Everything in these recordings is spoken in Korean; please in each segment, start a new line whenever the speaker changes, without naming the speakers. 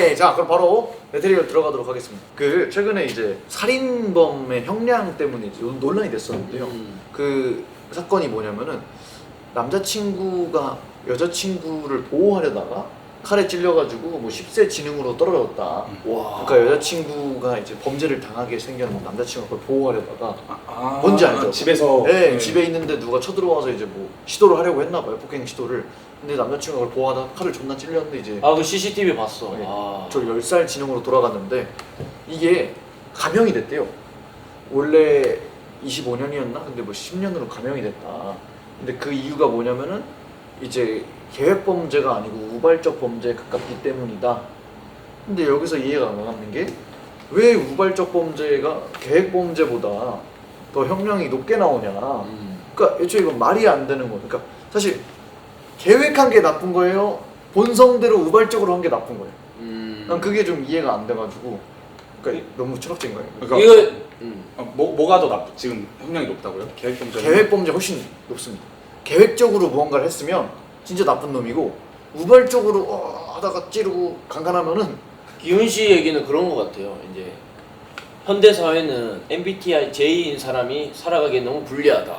네, 자 그럼 바로 메테리얼 들어가도록 하겠습니다. 그 최근에 이제 살인범의 형량 때문에 이제 논란이 됐었는데요. 그 사건이 뭐냐면은 남자친구가 여자친구를 보호하려다가 칼에 찔려가지고 뭐 10세 지능으로 떨어졌다.
와.
그러니까 여자친구가 이제 범죄를 당하게 생겼는데 남자친구가 그걸 보호하려다가 뭔지 알죠?
집에서
네, 집에 있는데 누가 쳐들어와서 이제 뭐 시도를 하려고 했나 봐요. 폭행 시도를. 근데 남자친구가 그걸 보호하다가 칼을 존나 찔렸는데 이제
그 CCTV 봤어.
네, 저 10살 지능으로 돌아갔는데 이게 감형이 됐대요. 원래 25년이었나? 근데 뭐 10년으로 감형이 됐다. 근데 그 이유가 뭐냐면은 이제 계획 범죄가 아니고 우발적 범죄에 가깝기 때문이다. 근데 여기서 이해가 안 가는 게 왜 우발적 범죄가 계획 범죄보다 더 형량이 높게 나오냐. 그러니까 애초에 이건 말이 안 되는 거예요. 그러니까 사실 계획한 게 나쁜 거예요? 본성대로 우발적으로 한 게 나쁜 거예요. 난 그게 좀 이해가 안 돼가지고 그러니까 너무 철학적인 거예요.
그러니까
이거
뭐가 더 지금 형량이 높다고요? 계획 범죄.
계획 범죄 훨씬 높습니다. 계획적으로 무언가를 했으면 진짜 나쁜 놈이고 우발적으로 하다가 찌르고 강간하면은
기훈 씨 얘기는 그런 것 같아요. 이제 현대 사회는 MBTI J인 사람이 살아가기에 너무 불리하다.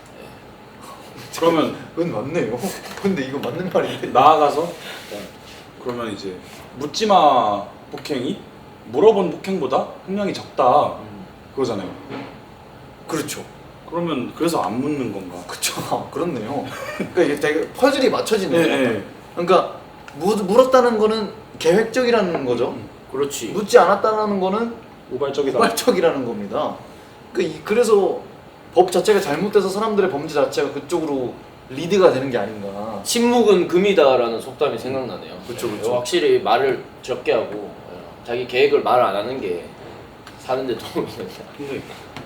그러면
그건 맞네요. 근데 이거 맞는 말인데.
나아가서 그러면 이제 묻지마 폭행이 물어본 폭행보다 형량이 적다 그거잖아요.
그렇죠.
그러면 그래서 안 묻는 건가?
그쵸. 그렇네요. 그러니까 이게 되게 퍼즐이 맞춰지네요.
네.
그러니까 물었다는 거는 계획적이라는 거죠.
그렇지.
묻지 않았다는 거는
우발적이다.
우발적이라는 겁니다. 그래서 법 자체가 잘못돼서 사람들의 범죄 자체가 그쪽으로 리드가 되는 게 아닌가.
침묵은 금이다라는 속담이 생각나네요.
그쵸,
네,
그쵸.
확실히 말을 적게 하고 자기 계획을 말 안 하는 게 사는데 도움이 된다.
근데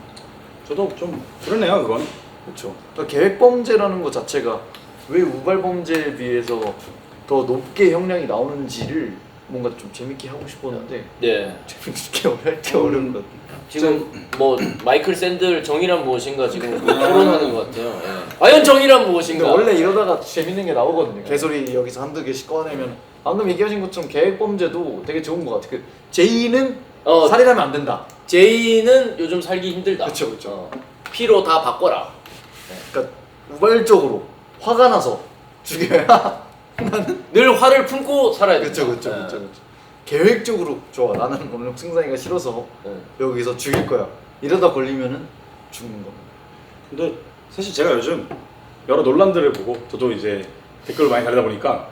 저도 좀 그러네요 그건.
그렇죠. 그러니까 계획 범죄라는 것 자체가 왜 우발 범죄에 비해서 더 높게 형량이 나오는지를 뭔가 좀 재밌게 하고 싶었는데
네.
재밌게 할게 어려운 것 같아요.
지금 뭐 마이클 샌들 정의란 무엇인가 지금 토론하는 것 같아요. 예. 과연 정의란
근데
무엇인가?
원래 이러다가 재밌는 게 나오거든요. 개소리 여기서 한두 개씩 꺼내면 방금 얘기하신 것처럼 계획 범죄도 되게 좋은 것 같아요. 그 제이는 살인하면 안 된다.
제이는 요즘 살기 힘들다.
그쵸, 그쵸.
피로 다 바꿔라.
그러니까 우발적으로 화가 나서 죽여야
늘 화를 품고 살아야 된다.
그쵸.
예.
계획적으로 좋아. 나는 오늘 승상이가 싫어서 여기서 죽일 거야. 이러다 걸리면은 죽는 겁니다.
근데 사실 제가 요즘 여러 논란들을 보고 저도 이제 댓글을 많이 달리다 보니까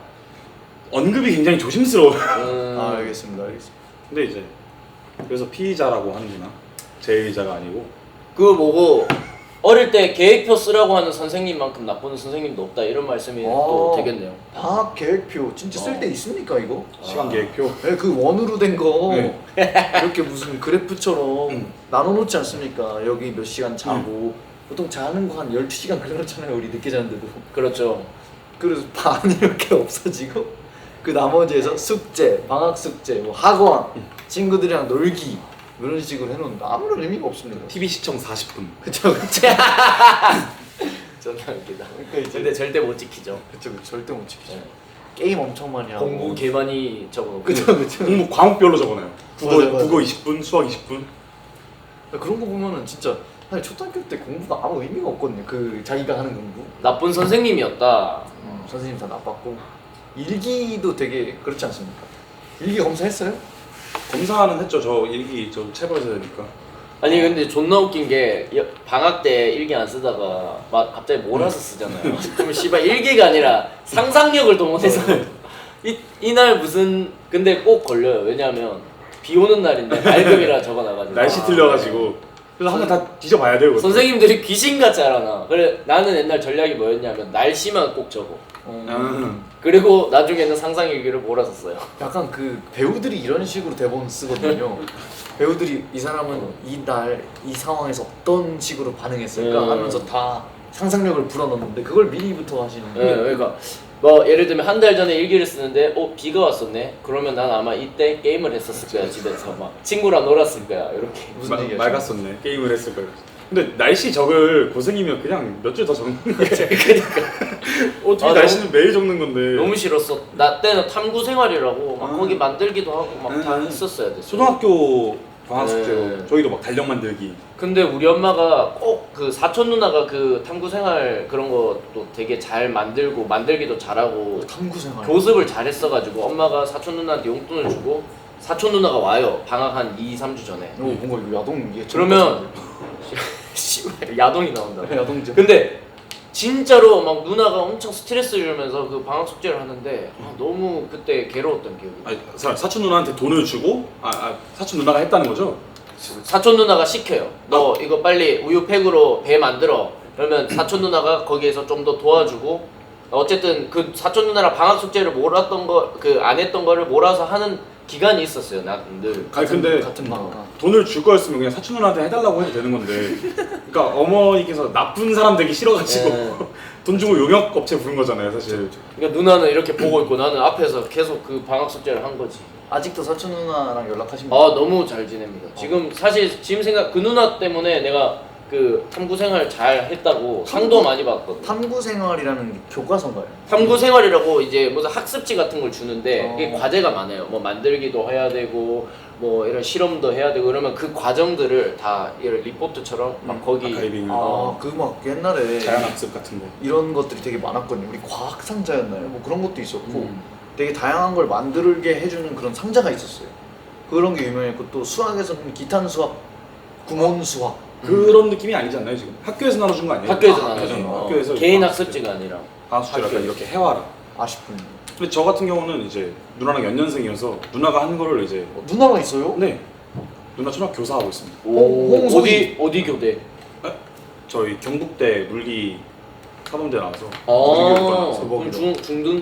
언급이 굉장히 조심스러워요.
알겠습니다.
근데 이제 그래서 피의자라고 하는구나. 제의자가 아니고.
그거 보고 어릴 때 계획표 쓰라고 하는 선생님만큼 나쁜 선생님도 없다 이런 말씀이 또 되겠네요.
방학 계획표 진짜 쓸 때 있습니까 이거?
시간 계획표.
네, 그 원으로 된 거
네.
이렇게 무슨 그래프처럼 나눠놓지 않습니까? 여기 몇 시간 자고 보통 자는 거 한 12시간 그려놓잖아요. 우리 늦게 자는데도.
그렇죠.
그래서 반 이렇게 없어지고 그 나머지에서 숙제, 방학 숙제, 뭐 학원, 친구들이랑 놀기 이런 식으로 해놓는데 아무런 의미가 없습니다.
TV 시청 40분.
그쵸.
존나 웃기다.
그러니까 이제
근데 절대 못 지키죠.
그쵸. 절대 못 지키죠.
네.
게임 엄청 많이 하고
공부 개 많이 적어놓고.
그쵸.
공부 과목별로 적어놔요.
맞아.
국어 20분, 수학 20분.
그런 거 보면은 진짜 사실 초등학교 때 공부가 아무 의미가 없거든요. 그 자기가 하는 공부.
나쁜 선생님이었다.
선생님 다 나빴고 일기도 되게 그렇지 않습니까? 일기 검사했어요?
검사는 했죠. 저 일기 저 체벌해야 되니까.
아니 근데 존나 웃긴 게 방학 때 일기 안 쓰다가 막 갑자기 몰아서 쓰잖아요. 그럼 씨발 일기가 아니라 상상력을 동원해서 이날 무슨 근데 꼭 걸려요. 왜냐하면 비 오는 날인데 맑음이라 적어놔가지고
날씨 틀려가지고. 그래서 한번 다 뒤져봐야 돼요. 그것도.
선생님들이 귀신같이 알아놔. 그래 나는 옛날 전략이 뭐였냐면 날씨만 꼭 적어. 그리고 나중에는 상상일기를 몰아서 써요.
약간 그 배우들이 이런 식으로 대본 쓰거든요. 배우들이 이 사람은 이날 이 상황에서 어떤 식으로 반응했을까 하면서 다 상상력을 불어넣는데 그걸 미리부터 하시는
네, 그러니까 뭐 예를 들면 한 달 전에 일기를 쓰는데 비가 왔었네. 그러면 난 아마 이때 게임을 했었을 거야 집에서 막 친구랑 놀았을 거야 이렇게.
무슨 얘기야?
맑았었네. 게임을 했을 거예요. 근데 날씨 적을 고생이면 그냥 몇 줄 더 적는 거야.
그러니까
어떻게
아,
날씨는 매일 적는 건데.
너무 싫었어. 나 때는 탐구 생활이라고 막
아.
거기 만들기도 하고 막 다
음.
했었어야 됐어.
초등학교 방학
네.
숙제로 저희도 막 달력 만들기.
근데 우리 엄마가 꼭 그 사촌 누나가 그 탐구 생활 그런 것도 되게 잘 만들고 만들기도 잘하고
탐구 생활.
교습을 잘했어가지고 엄마가 사촌 누나한테 용돈을 주고 사촌 누나가 와요. 방학 한 2, 3주 전에.
오, 뭔가 이거 야동 이게
그러면 씨발 야동이 나온다.
야동죠.
근데 진짜로 막 누나가 엄청 스트레스 주면서 그 방학 숙제를 하는데 너무 그때 괴로웠던 기억이.
아니, 사촌 누나한테 돈을 주고 사촌 누나가 했다는 거죠?
사촌 누나가 시켜요. 너 이거 빨리 우유팩으로 배 만들어. 그러면 사촌 누나가 거기에서 좀 더 도와주고 어쨌든 그 사촌 누나랑 방학 숙제를 몰았던 거 그 안 했던 거를 몰아서 하는 기간이 있었어요. 나 늘.
아니 근데
같은 방학.
돈을 줄 거였으면 그냥 사촌 누나한테 해달라고 해도 되는 건데. 그러니까 어머니께서 나쁜 사람 되기 싫어가지고
네.
돈 주고 용역 업체 부른 거잖아요, 사실.
그러니까 누나는 이렇게 보고 있고 나는 앞에서 계속 그 방학 숙제를 한 거지.
아직도 사촌 누나랑 연락하십니까?
아 너무 잘 지냅니다. 지금 사실 지금 생각 그 누나 때문에 내가 그 탐구 생활 잘 했다고 상도 많이 받거든.
탐구 생활이라는 게 교과서인가요?
탐구 생활이라고 이제 무슨 학습지 같은 걸 주는데
어.
이게 과제가 많아요. 뭐 만들기도 해야 되고 뭐 이런 실험도 해야 되고 그러면 그 과정들을 다 이런 리포트처럼 막 거기
아카이빙.
그 막 옛날에
자연학습 같은 거.
이런 것들이 되게 많았거든요. 우리 과학 상자였나요? 뭐 그런 것도 있었고
음.
되게 다양한 걸 만들게 해주는 그런 상자가 있었어요. 그런 게 유명했고 또 수학에서는 기탄 수학, 구몬 수학.
그런 느낌이 아니지 않나요 지금? 학교에서 나눠준 거 아니에요?
학교에서
아,
나눠준 거.
학교에서
개인
방학
학습지가 아니라.
방학 숙제를 약간 이렇게 해와라.
아쉽군요.
근데 저 같은 경우는 이제 누나랑 연년생이어서 누나가 하는 거를 이제
누나가 있어요?
네 누나 초등학교 교사 하고 있습니다.
홍소희.
어디 교대?
저희 경북대 물리 사범대 나와서
아
대박이다.
그럼 중등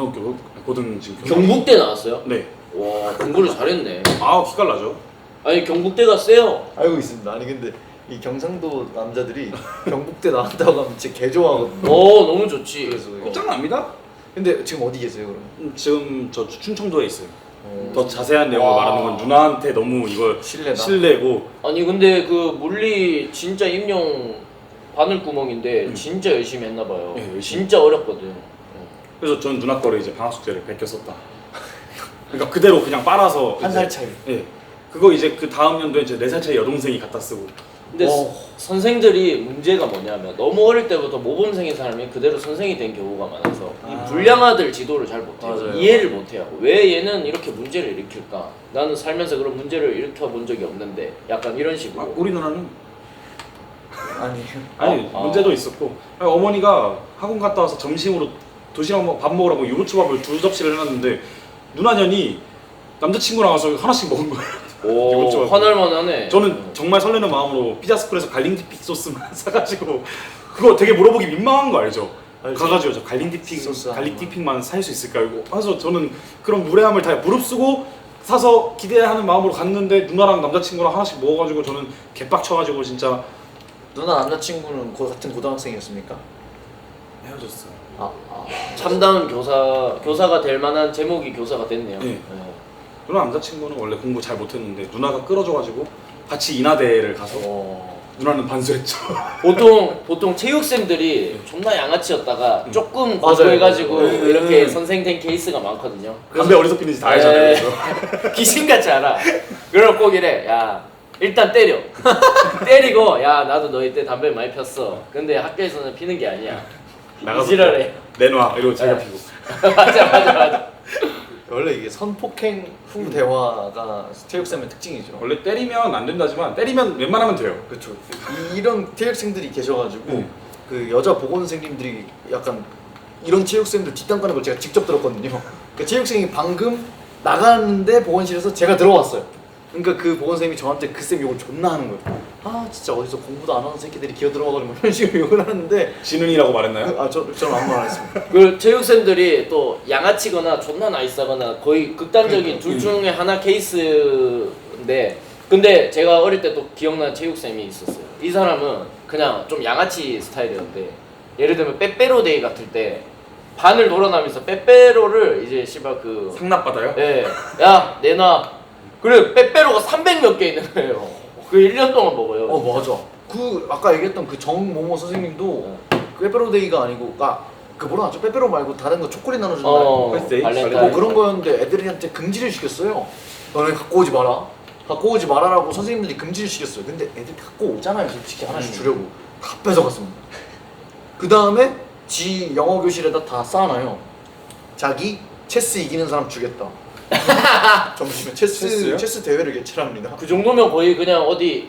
고등 지금 교사.
경북대 나왔어요?
네.
와 공부를 잘했네.
아 기깔나죠.
아니 경북대가 세요.
알고 있습니다. 아니 근데 이 경상도 남자들이 경북대 나왔다고 하면 진짜 개 좋아하거든요.
너무 좋지.
그래서 이거.
끝장납니다.
근데 지금 어디 계세요 그럼?
지금 저 충청도에 있어요.
어.
더 자세한 내용을
와.
말하는 건 누나한테 너무 이거
실례다.
실례고.
아니 근데 그 물리 진짜 임용 바늘구멍인데 진짜 열심히 했나 봐요.
네, 열심히.
진짜 어렵거든.
그래서 전 누나 거를 이제 방학 숙제를 베껴 썼다. 그러니까 그대로 그냥 빨아서
한
이제-
살 차이.
예. 그거 이제 그 다음 연도에 이제 4살 차이 여동생이 갖다 쓰고.
근데
어.
선생들이 문제가 뭐냐면 너무 어릴 때부터 모범생인 사람이 그대로 선생이 된 경우가 많아서
아.
이 불량아들 지도를 잘 못해요.
맞아요.
이해를 못해요. 왜 얘는 이렇게 문제를 일으킬까? 나는 살면서 그런 문제를 일으켜 본 적이 없는데 약간 이런 식으로.
아, 우리 누나는
아니
문제도 있었고 어머니가 학원 갔다 와서 점심으로 도시락 밥 먹으라고 유부초밥을 2접시를 해놨는데 누나년이 남자친구 나와서 하나씩 먹은 거예요.
오,
이것저것.
화날만하네.
저는 정말 설레는 마음으로 피자스쿨에서 갈릭디픽 소스만 사가지고 그거 되게 물어보기 민망한 거 알죠?
알죠.
가가지고 저 갈릭디픽
소스
갈릭디픽만 살 수 있을까요? 이거 그래서 저는 그런 무례함을 다 무릅쓰고 사서 기대하는 마음으로 갔는데 누나랑 남자친구랑 하나씩 먹어가지고 저는 개빡쳐가지고 진짜
누나 남자친구는 같은 고등학생이었습니까?
헤어졌어요.
참다운 교사가 될 만한 제목이 교사가 됐네요.
네. 누나 남자친구는 원래 공부 잘 못했는데 누나가 끌어줘가지고 같이 인하대를 가서 누나는 반수했죠.
보통 체육생들이 존나 양아치였다가 조금
맞아요.
공부해가지고
맞아요.
이렇게 선생 된 케이스가 많거든요.
담배 어디서 피는지 다 알잖아요. 그래서.
귀신같이 알아. 그럼 꼭 이래. 야 일단 때려. 때리고 야 나도 너희 때 담배 많이 폈어. 근데 학교에서는 피는 게 아니야.
나가서
지랄해.
내놔 이러고 제가
네.
피고.
맞아.
원래 이게 선폭행 후 대화가 체육생의 특징이죠.
원래 때리면 안 된다지만 때리면 웬만하면 돼요.
그렇죠. 이런 체육생들이 계셔가지고 그 여자 보건생님들이 약간 이런 체육생들 뒷담 까는 걸 제가 직접 들었거든요. 그 체육생이 방금 나갔는데 보건실에서 제가 들어왔어요. 그러니까 그 보건생님이 저한테 그 쌤 욕을 존나 하는 거예요. 아 진짜 어디서 공부도 안 하는 새끼들이 기어 들어와가지고 이런 식으로 욕을 하는데
진은이라고 말했나요?
저는 아무 말 안 했습니다.
그 체육생들이 또 양아치거나 존나 나이스하거나 거의 극단적인
그러니까.
둘 중에 하나 케이스인데 근데 제가 어릴 때 또 기억나는 체육쌤이 있었어요. 이 사람은 그냥 좀 양아치 스타일이었는데 예를 들면 빼빼로 데이 같을 때 반을 돌아다니면서 빼빼로를 이제 씨발 그
상납받아요?
예, 야 내놔. 그래 빼빼로가 300 몇 개 있는 거예요. 그 1년 동안 먹어요.
맞아. 그 아까 얘기했던 그 정모모 선생님도 그 빼빼로데이가 아니고 그 뭐라 하죠? 빼빼로 말고 다른 거 초콜릿 나눠주는 날
birthday?
발렌타인.
뭐 그런 거였는데 애들한테 금지를 시켰어요. 너네 갖고 오지 마라. 갖고 오지 말아라고 선생님들이 금지를 시켰어요. 근데 애들 갖고 오잖아요. 솔직히 하나씩 주려고 다 뺏어갔습니다. 그 다음에 지 영어 교실에다 다 쌓아놔요. 자기 체스 이기는 사람 주겠다. 점심에
체스요?
체스 대회를 개최합니다.
그 정도면 거의 그냥 어디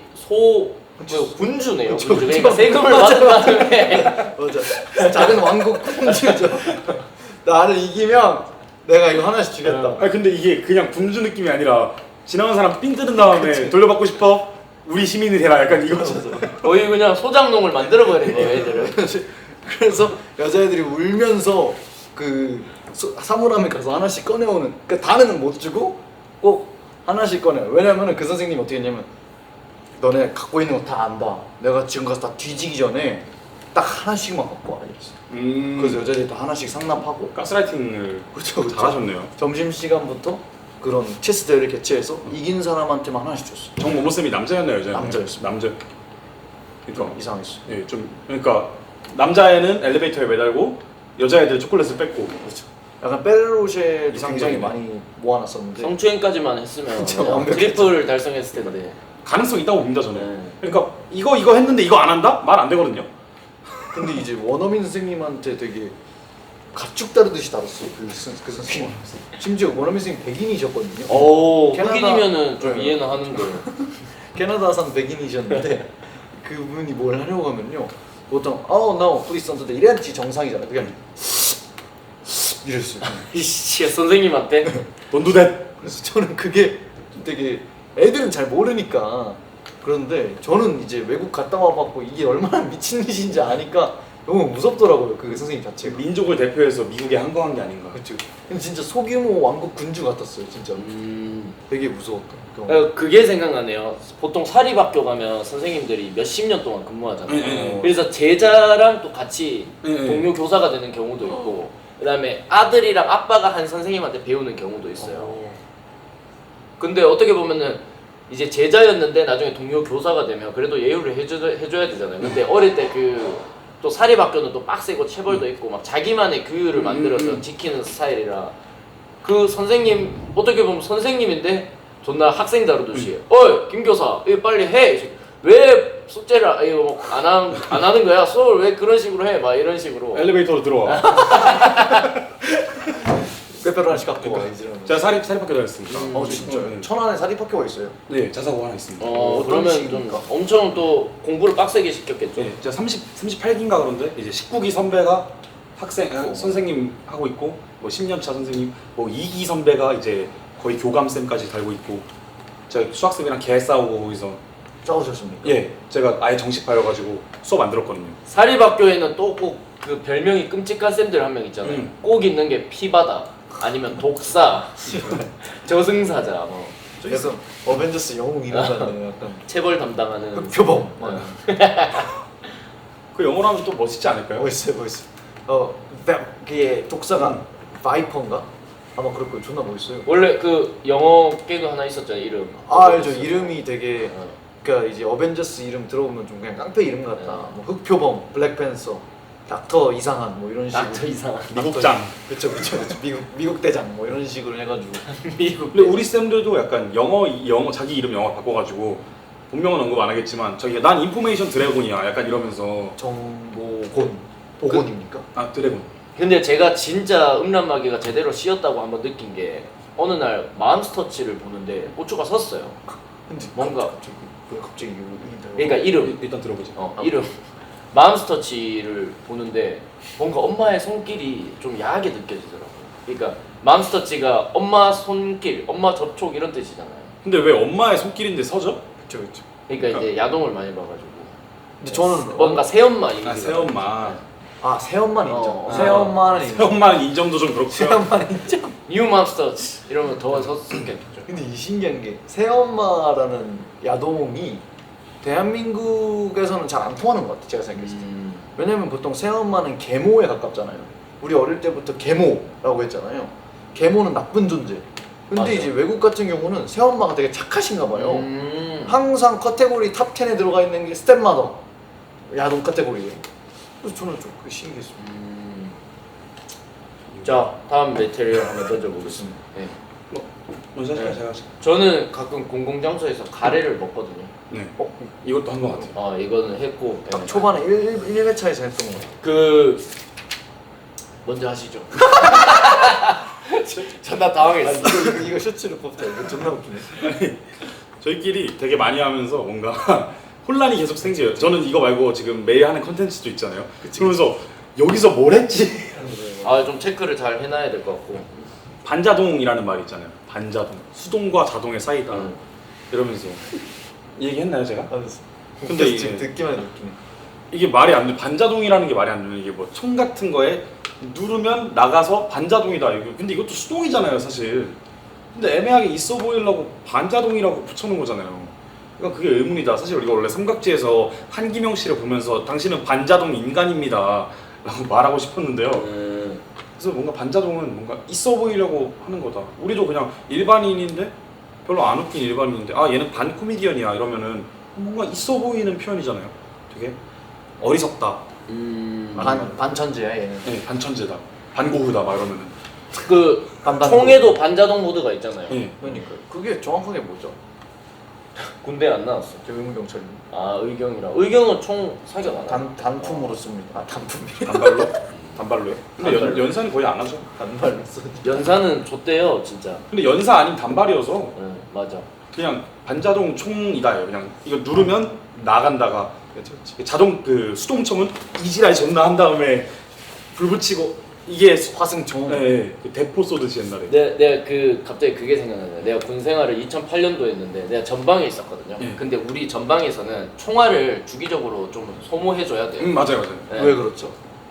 군주네요.
그쵸,
군주.
그쵸.
그러니까 세금을
맞아,
받은 다음에
맞아. 작은 왕국 군주죠. 나를 이기면 내가 이거 하나씩 주겠다.
아니 근데 이게 그냥 군주 느낌이 아니라 지나간 사람 삥 뜯은 다음에 돌려받고 싶어? 우리 시민이 되라 약간 이거죠.
거의 그냥 소장농을 만들어 버린 거예요, 애들을.
그래서 여자애들이 울면서 그 사물함에 가서 하나씩 꺼내오는. 그러니까 다는 못 주고 꼭 하나씩 꺼내요. 왜냐면은 그 선생님이 어떻게 했냐면 너네 갖고 있는 거 다 안다. 내가 지금 가서 다 뒤지기 전에 딱 하나씩만 갖고 와 이랬어. 그래서 여자애들이 다 하나씩 상납하고.
가스라이팅을
그렇죠.
잘하셨네요.
점심 시간부터 그런 체스 대회를 개최해서 이긴 사람한테만 하나씩 줬어.
정모모 쌤이 남자였나요, 여자였나요?
남자였습니다.
남자. 그러니까
이상했어.
예, 좀 그러니까 남자애는 엘리베이터에 매달고 여자애들 초콜릿을 뺏고.
그렇죠. 약간 베르로쉐도 굉장히
이상적이네.
많이 모아놨었는데
성추행까지만 했으면
진짜
그냥
완벽했죠.
트리플 달성했을 텐데.
가능성 있다고 봅니다 저는.
네.
그러니까 이거 했는데 이거 안 한다? 말 안 되거든요.
근데 이제 원어민 선생님한테 되게 가축 다루듯이 다뤘어요. 그 선생님. 심지어 원어민 선생님 백인이셨거든요.
오,
캐나다-
흑인이면은 좀
네.
이해는 하는데.
캐나다산 백인이셨는데 그분이 뭘 하려고 하면요. 보통 no please don't do that 이래야지 정상이잖아요. 그게 아니라 이랬어요.
이씨 선생님한테.
돈두댓.
그래서 저는 그게 되게 애들은 잘 모르니까 그런데 저는 이제 외국 갔다 와봤고 이게 얼마나 미친 짓인지 아니까 너무 무섭더라고요. 그 선생님 자체가.
민족을 대표해서 미국에 항거한 게 아닌가.
그렇죠. 근데 진짜 소규모 왕국 군주 같았어요. 진짜 되게 무서웠던 경험.
그게 생각나네요. 보통 사립학교 가면 선생님들이 몇십 년 동안 근무하잖아요.
네.
그래서 제자랑 또 같이
네.
동료 교사가 되는 경우도 있고, 그다음에 아들이랑 아빠가 한 선생님한테 배우는 경우도 있어요. 근데 어떻게 보면은 이제 제자였는데 나중에 동료 교사가 되면 그래도 예우를 해줘야 되잖아요. 근데 어릴 때 그 또 사립학교는 또 빡세고 체벌도 있고 막 자기만의 규율을 만들어서 지키는 스타일이라 그 선생님 어떻게 보면 선생님인데 존나 학생 다루듯이 어이 김 교사 이거 빨리 해. 왜 숙제를 이거 안 하는 거야? 수업을 왜 그런 식으로 해? 막 이런 식으로.
엘리베이터로 들어와.
빼빼로 하나씩 갖고 와 이제.
제가 사립학교 다녔습니다.
진짜요?
네.
천안에 사립학교가 있어요.
네, 자사고 하나 있습니다.
어떤
그러면
식입니까?
좀 엄청 또 공부를 빡세게 시켰겠죠.
네, 제가 38기인가 그런데 이제 19기 선배가 선생님 하고 있고 뭐 10년차 선생님 뭐 2기 선배가 이제 거의 교감쌤까지 달고 있고 제가 수학쌤이랑 개 싸우고 거기서
싸우셨습니까?
예 제가 아예 정식파여가지고 수업 안 들었거든요.
사립학교에는 또 꼭 그 별명이 끔찍한 쌤들 한 명 있잖아요. 꼭 있는 게 피바다 아니면 독사, 저승사자, 뭐
그래서 어벤져스 영웅 이름 같네요. 약간
체벌 담당하는
흑표범.
그 영어로 하면 또 멋있지 않을까요?
멋있어요. 그게 독사가 바이퍼인가? 아마 그럴 거예요. 존나 멋있어요.
원래 그 영어 개그 하나 있었잖아요. 이름.
알죠. 이름이 되게 그러니까 이제 어벤져스 이름 들어보면 좀 그냥 깡패 이름 같다. 뭐 흑표범, 블랙팬서, 닥터 이상한 뭐 이런 식으로.
닥터 이상한.
미국장.
그쵸. 미국 대장 뭐 이런 식으로 해가지고.
미국.
근데 우리 쌤들도 약간 영어 자기 이름 영어 바꿔가지고 본명은 언급 안 하겠지만 저기 난 인포메이션 드래곤이야 약간 이러면서
정보곤 보곤입니까?
아 드래곤.
근데 제가 진짜 음란마귀가 제대로 씌었다고 한번 느낀 게 어느 날 마음스터치를 보는데 고추가 섰어요.
근데
뭔가-
갑자기 이거
그러니까 이름.
일단 들어보자.
이름. 마음스터치를 보는데 뭔가 엄마의 손길이 좀 야하게 느껴지더라고요. 그러니까 마음스터치가 엄마 손길, 엄마 접촉 이런 뜻이잖아요.
근데 왜 엄마의 손길인데 서죠?
그쵸.
그러니까 이제 야동을 많이 봐가지고
근데 저는
뭔가 새엄마 이미지가.
아 새엄마.
새엄만 인정.
어.
새엄만은 인정.
새엄마 인정도 좀 그렇고요.
새엄만 인정.
뉴 맘스터치 이러면 더 섰겠죠.
근데 이 신기한 게 새엄마라는 야동이 대한민국에서는 잘 안 통하는 것 같아. 제가 생각했을 때. 왜냐면 보통 새엄마는 계모에 가깝잖아요. 우리 어릴 때부터 계모라고 했잖아요. 계모는 나쁜 존재. 근데
맞아.
이제 외국 같은 경우는 새엄마가 되게 착하신가 봐요. 항상 카테고리 탑 10에 들어가 있는 게 스텝마더 야동 카테고리에. 그래서 저는 좀 그게 신기했습니다.
자 다음 메테리얼 한번 던져보겠습니다. 네.
먼저
네.
제가
저는 가끔 공공장소에서 가래를 먹거든요.
네. 이것도 한 것 같아요.
아 이거는 했고
딱
네.
초반에 1회차에서 했던 거.
그 먼저 하시죠. 존나 당황했어.
이거 셔츠를 뽑자. 이거 존나 웃기네.
저희끼리 되게 많이 하면서 뭔가 혼란이 계속 생겨요. 저는 이거 말고 지금 매일 하는 컨텐츠도 있잖아요. 그러면서 여기서 뭘 했지?
아 좀 체크를 잘 해놔야 될 것 같고.
반자동이라는 말이 있잖아요. 반자동. 수동과 자동의 사이다. 이러면서 이 얘기 했나요 제가? 근데 이게-
지금 듣기만 해도 웃기네.
이게 말이 안 돼. 반자동이라는 게 말이 안 되는 이게 뭐 총 같은 거에 누르면 나가서 반자동이다. 이거 근데 이것도 수동이잖아요, 사실. 근데 애매하게 있어 보이려고 반자동이라고 붙여놓은 거잖아요. 그러니까 그게 의문이다. 사실 우리가 원래 삼각지에서 한기명 씨를 보면서 당신은 반자동 인간입니다. 라고 말하고 싶었는데요. 그래서 뭔가 반자동은 뭔가 있어 보이려고 하는 거다. 우리도 그냥 일반인인데 별로 안 웃긴 일반인인데 아 얘는 반 코미디언이야 이러면은 뭔가 있어 보이는 표현이잖아요. 되게 어리석다.
반천재야 얘는.
네, 반천재다. 반고흐다 막 이러면은.
그
반반고.
총에도 반자동 모드가 있잖아요.
네.
그러니까 그게 정확하게 뭐죠?
군대 안 나왔어.
저 의무경찰입니다.
아 의경이랑 의경은 총 사격 안 하.
단품으로 씁니다. 아 단품이.
단발로? 단발로요? 근데
단발로.
연사는 거의 안 하죠.
단발로 써.
연사는 좆대요 진짜.
근데 연사 아닌 단발이어서
네, 맞아.
그냥 반자동 총이다요. 그냥 이거 누르면 나간다가 자동 그 수동총은 이지랄 존나 한 다음에 불 붙이고 이게
화승총.
네, 그 대포 쏘듯이 옛날에.
내가 그 갑자기 그게 생각나네. 내가 군 생활을 2008년도에 했는데 내가 전방에 있었거든요.
네.
근데 우리 전방에서는 총알을 주기적으로 좀 소모해줘야 돼요.
맞아요, 맞아요.
네.
왜 그렇죠?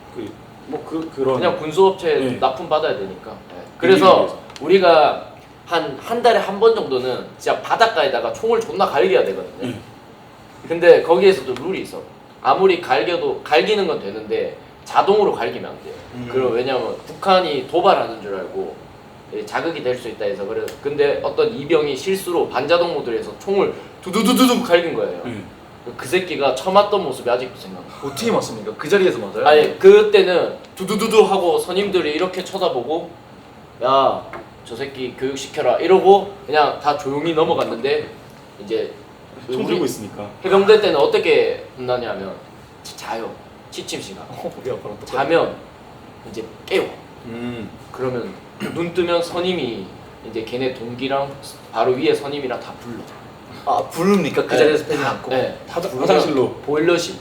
그런
그냥 군수업체
네.
납품 받아야 되니까. 네. 그래서 우리가 한 달에 한 번 정도는 진짜 바닷가에다가 총을 존나 갈겨야 되거든요.
네.
근데 거기에서도 룰이 있어. 아무리 갈기는 건 되는데 자동으로 갈기면 안 돼요. 그리고 왜냐면 북한이 도발하는 줄 알고 자극이 될 수 있다 해서 그래. 근데 어떤 이병이 실수로 반자동 모드로 해서 총을 두두두두두 갈긴 거예요. 그 새끼가 처맞던 모습이 아직도 생각나.
어떻게 맞습니까? 그 자리에서 맞아요?
아니 그때는 두두두두 하고 선임들이 이렇게 쳐다보고 야 저 새끼 교육시켜라 이러고 그냥 다 조용히 넘어갔는데 이제
총 들고 있으니까.
해병대 때는 어떻게 혼나냐면 자요. 취침 시간.
우리 아빠랑 똑같아.
자면 이제 깨워. 그러면 눈 뜨면 선임이 이제 걔네 동기랑 바로 위에 선임이랑 다 불러.
아 부릅니까? 그
네.
자리에서 패지 않고?
네.
화장실로.
보일러실.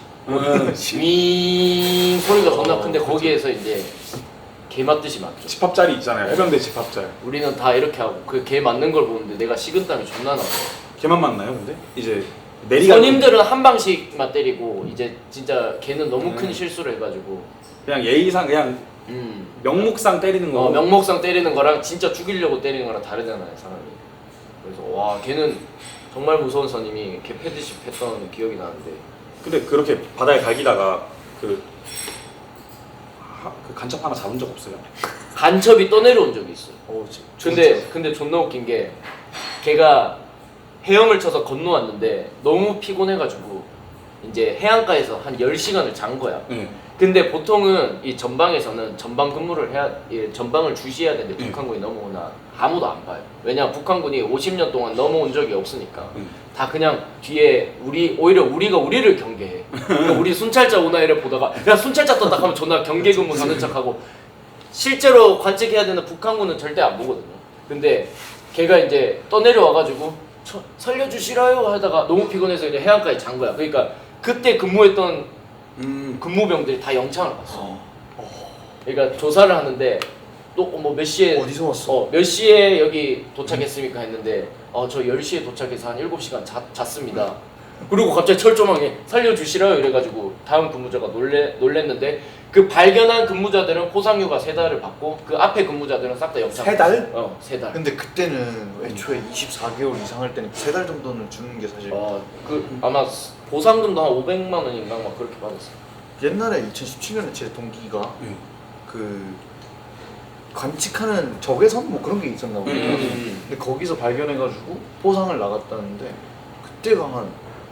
윙 소리가 존나 큰데 거기에서 이제 개 맞듯이 맞죠.
집합자리 있잖아요. 해병대 집합자리.
우리는 다 이렇게 하고 그 개 맞는 걸 보는데 내가 식은땀이 존나 나서.
걔만 맞나요, 근데? 이제 내리가
선임들은 한 방씩만 때리고 이제 진짜 걔는 너무 큰 실수를 해가지고
그냥 예의상 그냥 명목상 때리는 거.
명목상 때리는 거랑 진짜 죽이려고 때리는 거랑 다르잖아요 사람이. 그래서 와 걔는 정말 무서운 선임이 개 패듯이 팼던 기억이 나는데.
근데 그렇게 바다에 갈기다가 그 간첩 하나 잡은 적 없어요?
간첩이 떠내려온 적이 있어요.
진짜.
근데 존나 웃긴 게 걔가 헤엄을 쳐서 건너왔는데 너무 피곤해가지고 이제 해안가에서 한 10시간을 잔 거야.
네.
근데 보통은 이 전방에서는 전방 근무를 해야 전방을 주시해야 되는데 북한군이 넘어오나 아무도 안 봐요. 왜냐 북한군이 50년 동안 넘어온 적이 없으니까 다 그냥 뒤에 오히려 우리가 우리를 경계해. 그러니까 우리 순찰자 오나 이래 보다가 야 순찰자 떴다 하면 존나 경계 근무 가는 척하고 실제로 관측해야 되는 북한군은 절대 안 보거든요. 근데 걔가 이제 떠내려와가지고 살려주시라요 하다가 너무 피곤해서 이제 해안가에 잔 거야. 그러니까 그때 근무했던 근무병들이 다 영창을 갔어. 그러니까 조사를 하는데 또 뭐 몇 시에
어디서 왔어?
몇 시에 여기 도착했습니까 했는데 저 10시에 도착해서 한 7시간 잤습니다. 그리고 갑자기 철조망에 살려주시라요 이래가지고 다음 근무자가 놀랬는데 그 발견한 근무자들은 포상휴가 3달을 받고 그 앞에 근무자들은 싹 다 영창.
3달?
3달.
근데 그때는 애초에 24개월 이상 할 때는 3달 정도는 주는 게 사실
아마 보상금도 한 500만 원인가 막 그렇게 받았어.
옛날에 2017년에 제 동기가 그 관측하는 적외선 뭐 그런 게 있었나 보요. 근데 거기서 발견해가지고 포상을 나갔다는데 그때가 한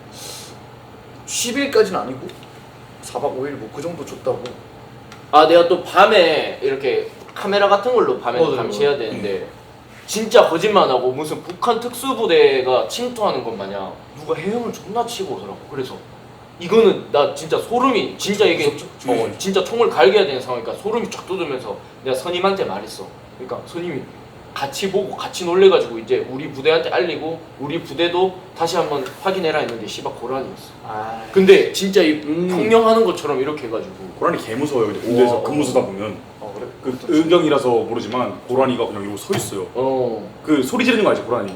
10일까지는 아니고 4박 5일 뭐 그 정도 줬다고.
아 내가 또 밤에 이렇게 카메라 같은 걸로 밤에
맞아요.
감시해야 되는데 진짜 거짓말 안 하고 무슨 북한 특수부대가 침투하는 것 마냥 누가 해영을 존나 치고 오더라고. 그래서 이거는 나 진짜 소름이 진짜 이게 진짜 총을 갈겨야 되는 상황이니까 소름이 쫙 돋으면서 내가 선임한테 말했어. 그러니까 선임이 같이 보고 같이 놀래가지고 이제 우리 부대한테 알리고 우리 부대도 다시 한번 확인해라 했는데 씨발 고란이었어.
아,
근데 진짜 이 평령하는 것처럼 이렇게 해가지고
고라니 개 무서워요. 근데 군대에서
와.
근무 서다 보면
그래.
그 의경이라서 모르지만 고라니가 그냥 이러고 서 있어요. 그 소리 지르는 거 알지 고라니?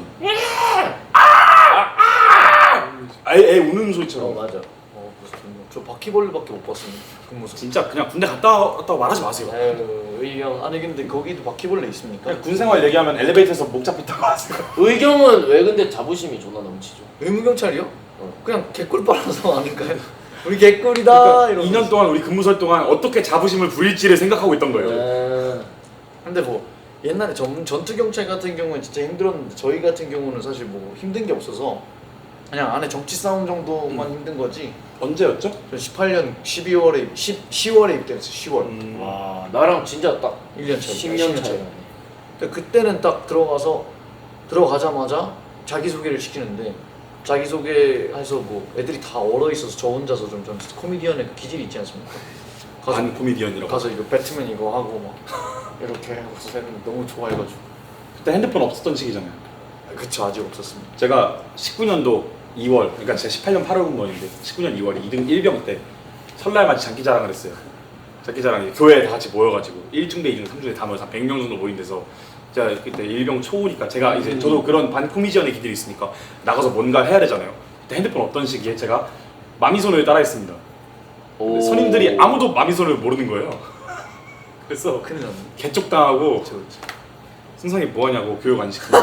애 우는 소리처럼.
맞아.
무슨 저 바퀴벌레밖에 못 봤습니다. 그 모습.
진짜 그냥 군대 갔다 왔다고 말하지 마세요.
의경
아니 근데 거기도 바퀴벌레 있습니까?
그냥 군 생활 얘기하면 엘리베이터에서 목 잡혔다고 하세요.
의경은 왜 근데 자부심이 존나 넘치죠?
의무경찰이요? 그냥 개꿀 빨아서 아닌가요? 우리 개꿀이다
그러니까
이러면서.
2년 동안 우리 근무설 동안 어떻게 자부심을 부릴지를 생각하고 있던 거예요.
근데 뭐 옛날에 전투 경찰 같은 경우는 진짜 힘들었는데 저희 같은 경우는 사실 뭐 힘든 게 없어서 그냥 안에 정치 싸움 정도만 힘든 거지.
언제였죠?
저 18년 10월에 입대했어요. 10월.
와 나랑 진짜 딱
1년 차이.
10년 차이.
근데 그때는 딱 들어가자마자 자기소개를 시키는데 자기소개해서 뭐 애들이 다 얼어 있어서 저 혼자서 좀 코미디언의 그 기질이 있지 않습니까?
반 코미디언이라고.
가서 이거 배트맨 이거 하고 막 이렇게 하고서 했는데 너무 좋아해가지고.
그때 핸드폰 없었던 시기잖아요.
그쵸, 아직 없었습니다.
제가 19년도 2월, 그러니까 제가 18년 8월 군번인데 19년 2월 2등 1병 때 설날 맞이 장기자랑을 했어요. 장기자랑이 교회에 다 같이 모여가지고 1중대, 2중대, 3중대 다 모여서 한 100명 정도 모인 데서 제가 그때 1병 초우니까 제가 이제 저도 그런 반 코미디언의 기질이 있으니까 나가서 뭔가 해야 되잖아요. 그때 핸드폰 없던 시기에 제가 마미손을 따라했습니다. 근데 선임들이 아무도 마미손을 모르는 거예요. 그래서
큰일 났네.
개쪽당하고
그쵸.
승상이 뭐하냐고 교육 안 시키고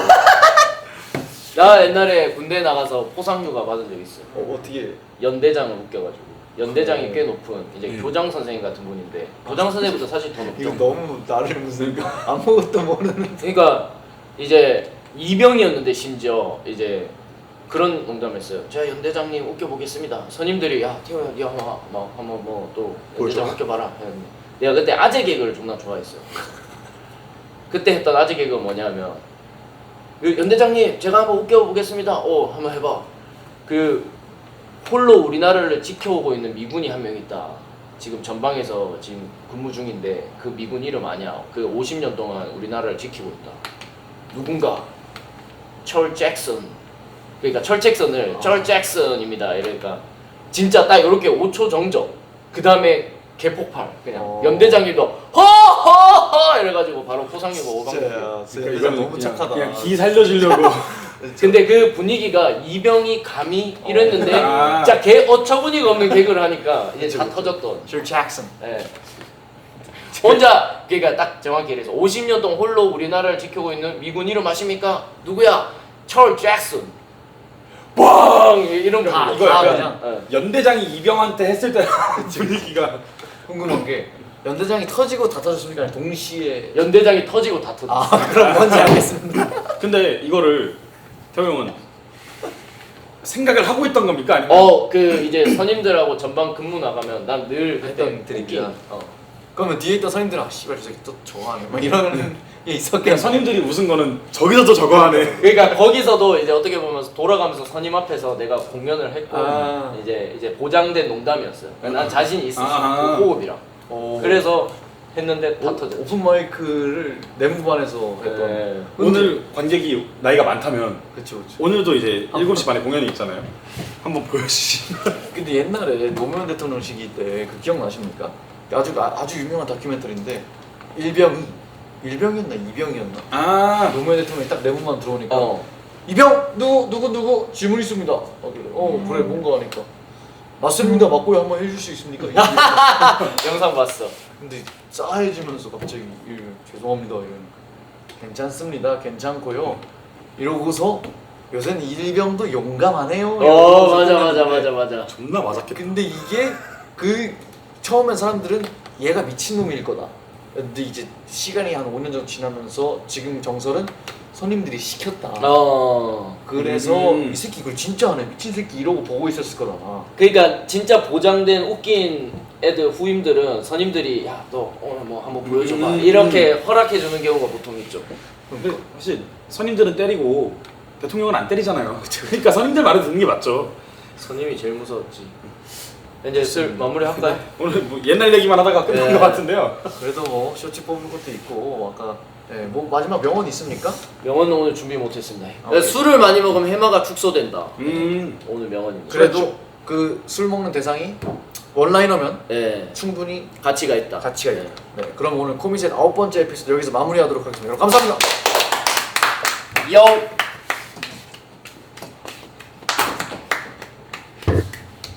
나 옛날에 군대 나가서 포상휴가 받은 적 있어.
어떻게?
연대장을 웃겨가지고 연대장이 꽤 높은 이제 교장 선생님 같은 분인데 교장 선생님보다 사실 더 높죠.
이거 너무 나를 무슨 아무것도 모르는.
그러니까 이제 이병이었는데 심지어 이제 그런 농담했어요. 제가 연대장님 웃겨보겠습니다. 선임들이 야 태호야 니 한번 뭐 또 연대장 웃겨봐라 했는데 내가 그때 아재 개그를 존나 좋아했어요. 그때 했던 아재 개그가 뭐냐면 연대장님 제가 한번 웃겨보겠습니다. 한번 해봐. 그 홀로 우리나라를 지켜오고 있는 미군이 한 명 있다. 지금 전방에서 지금 근무 중인데 그 미군 이름 아냐? 그 50년 동안 우리나라를 지키고 있다. 누군가 철 잭슨. 그러니까 철 잭슨을 철 잭슨입니다. 이러니까 진짜 딱 이렇게 5초 정적. 그 다음에 개폭발. 그냥 연대장님도 허허허 이래가지고 바로 포상휴가 5박.
진짜 이거 너무 착하다.
그냥 기 살려주려고
근데 그 분위기가 이병이 감히 이랬는데
아.
진짜 개 어처구니가 없는 개그를 하니까 이제 다 터졌던.
줄 잭슨.
예. 혼자 그러니까 딱 정확히 이래서 50년 동안 홀로 우리나라를 지키고 있는 미군 이름 아십니까? 누구야? 철 잭슨. 빵 이런 거
다
이거
다
약간
그냥.
연대장이 이병한테 했을 때 분위기가
궁금한 게 연대장이 터지고 다 터졌습니까? 아니면 동시에.
연대장이 터지고 다 터졌어.
그럼 뭔지 알겠습니다.
근데 이거를 태호 형은 생각을 하고 있던 겁니까? 아니면
그 이제 선임들하고 전방 근무 나가면 난 늘
했던 드립이야. 그러면 뒤에 있던 선임들은 씨발 저 새끼 또 좋아하네 막 이런 게
그냥
있었겠네.
선임들이 웃은 거는 저기서도 저거 하네.
그러니까 거기서도 이제 어떻게 보면 돌아가면서 선임 앞에서 내가 공연을 했고 이제 보장된 농담이었어요. 그러니까 난 자신이 있었어. 그 호흡이랑. 그래서 했는데 다 터졌어.
오픈 마이크를 내무반에서 했던.
네.
오늘 관객이 나이가 많다면
그쵸.
오늘도 이제 7시 반에 공연이 있잖아요. 한번 보여주시면.
근데 옛날에 노무현 대통령 시기 때 그 기억나십니까? 아주 유명한 다큐멘터리인데 일병이었나 이병이었나? 노무현 대통령이 딱 내무반 들어오니까 이병 누구 질문 있습니다. 그래 뭔가 하니까 맞습니다. 맞고요 한번 해줄 수 있습니까?
영상 봤어.
근데 싸해지면서 갑자기 죄송합니다 이러니까 괜찮습니다 괜찮고요 이러고서 요새는 일병도 용감하네요.
맞아.
존나 맞았겠다.
근데 이게 그 처음엔 사람들은 얘가 미친놈일 거다 근데 이제 시간이 한 5년 정도 지나면서 지금 정설은 손님들이 시켰다. 그래서 이 새끼 이걸 진짜 하네 미친 새끼 이러고 보고 있었을 거다.
그러니까 진짜 보장된 웃긴 애들 후임들은 선임들이 야 너 오늘 뭐 한번 보여줘봐 이렇게 허락해 주는 경우가 보통 있죠.
근데 사실 선임들은 때리고 대통령은 안 때리잖아요. 그러니까 선임들 말을 듣는 게 맞죠.
선임이 제일 무서웠지. 이제 슬 마무리 할까요?
오늘 뭐 옛날 얘기만 하다가 끝난
네.
것 같은데요.
그래도 뭐 쇼츠 뽑는 것도 있고 아까 뭐 마지막 명언 있습니까?
명언은 오늘 준비 못했습니다.
오케이.
술을 많이 먹으면 해마가 축소된다.
음.
오늘 명언입니다.
그래도 그 술 먹는 대상이 원라이너면
네,
충분히
가치가 있다.
가치가 있다. 네, 그럼 오늘 코미셋 9번째 에피소드 여기서 마무리하도록 하겠습니다. 여러분 감사합니다.
요.